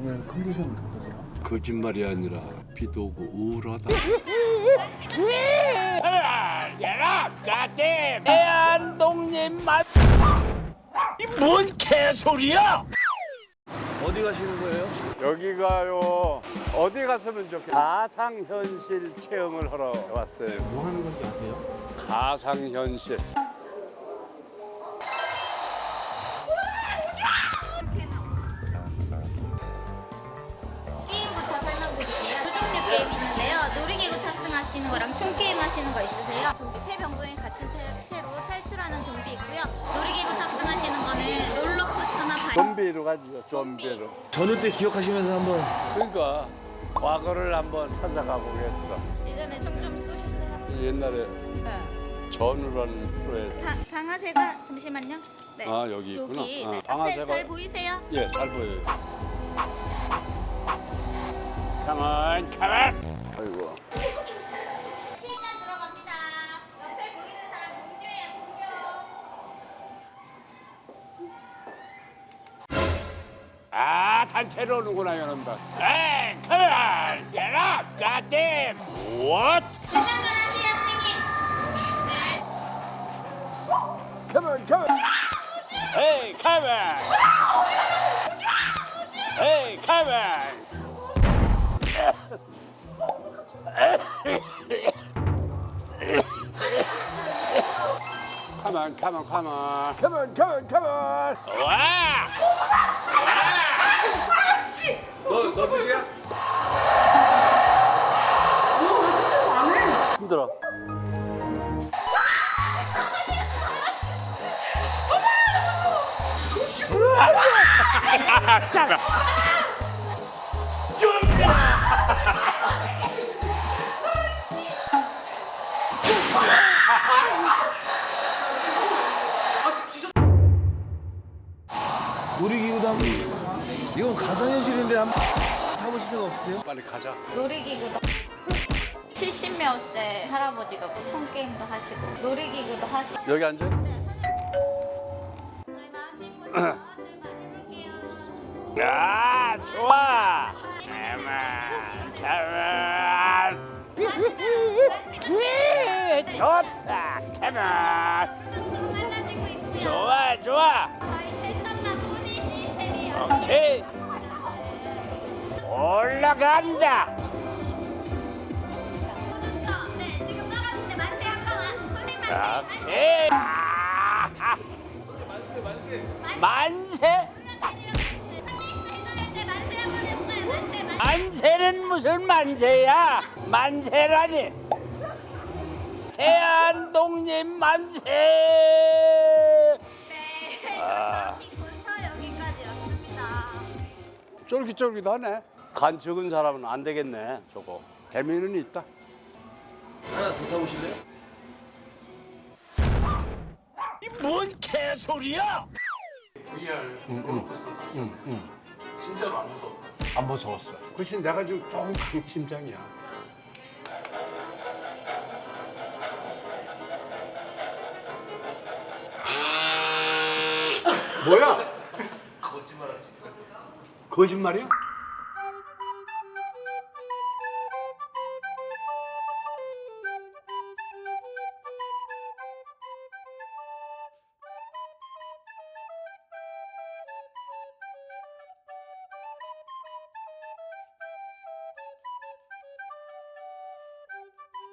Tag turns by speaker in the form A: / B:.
A: 오늘 컨디션 어떠세요?
B: 거짓말이 아니라 비도 오고 우울하다.
C: 얘라 가댐 대한독립 맛. 이 뭔 개소리야?
A: 어디 가시는 거예요?
D: 여기가요. 어디 갔으면 좋겠어요? 가상현실 체험을 하러 왔어요.
A: 뭐 하는 건지 아세요?
D: 가상현실.
E: 게임부터 설명드릴게요. 두 종류 게임 있는데요. 놀이기구 탑승하시는 거랑 총 게임 하시는 거 있으세요? 좀비 폐병동에 갇힌 채로 탈출하는 좀비 있고요. 놀이기구 탑승하시는 거는 롤러코스터나
D: 좀비로 가죠. 좀비로.
A: 전후 때 기억하시면서 한번.
D: 그러니까 과거를 한번 찾아가 보겠어.
E: 예전에 총 좀 쏘셨어요?
D: 옛날에
E: 네.
D: 전우라는 프로에
E: 방아쇠가 잠시만요. 네.
D: 아, 여기 있구나.
E: 여기.
D: 아,
E: 네.
D: 방아쇠가-
E: 앞에 잘 보이세요?
D: 예, 잘 보여요.
C: 가만 가만.
D: 아이고.
E: 시간 들어갑니다. 옆에 보이는 사람 공유예요, 공유.
C: 아 단체로 오는구나 이놈들. 에이 가만 얘라 가댐. What?
E: 긴장하세요, 선생님. 네.
C: Come on. Hey come on. Hey come on. Come on, come on, come on. Come on, come on, come on. 와!
D: 너 누구야? 힘들어.
C: 잠깐.
A: 놀이기구도 한번. 이건 가상현실인데 한번 타보실 생각 없으세요?
D: 빨리 가자.
E: 놀이기구도 70몇 세 할아버지가 뭐 총게임도 하시고 놀이기구도 하시고
D: 여기 앉아.
E: 저희 마운틴 코스터 출발해볼게요.
C: 야, 좋아. 가만, 가만. 좋다. 가만.
E: 점점 빨라지고 있고요.
C: 좋아, 좋아.
E: 저희 최첨단 보니 시스템이요.
C: 오케이. 올라간다.
E: 좋죠? 네, 지금 떨어질 때 만세 한 번만. 손님 만세.
C: 오케이. 만세? 만세는 무슨 만세야? 만세라니? 대한독립 만세!
E: 네,
C: 아.
E: 코스터 여기까지였습니다.
D: 쫄깃쫄깃하네. 간 적은 사람은 안 되겠네. 저거. 재미는 있다.
A: 하나 더 타보실래요?
C: 이 뭔 개소리야?
D: 안 무서웠어. 그렇지 내가 지금 조금 강심장이야. 뭐야? 거짓말이야?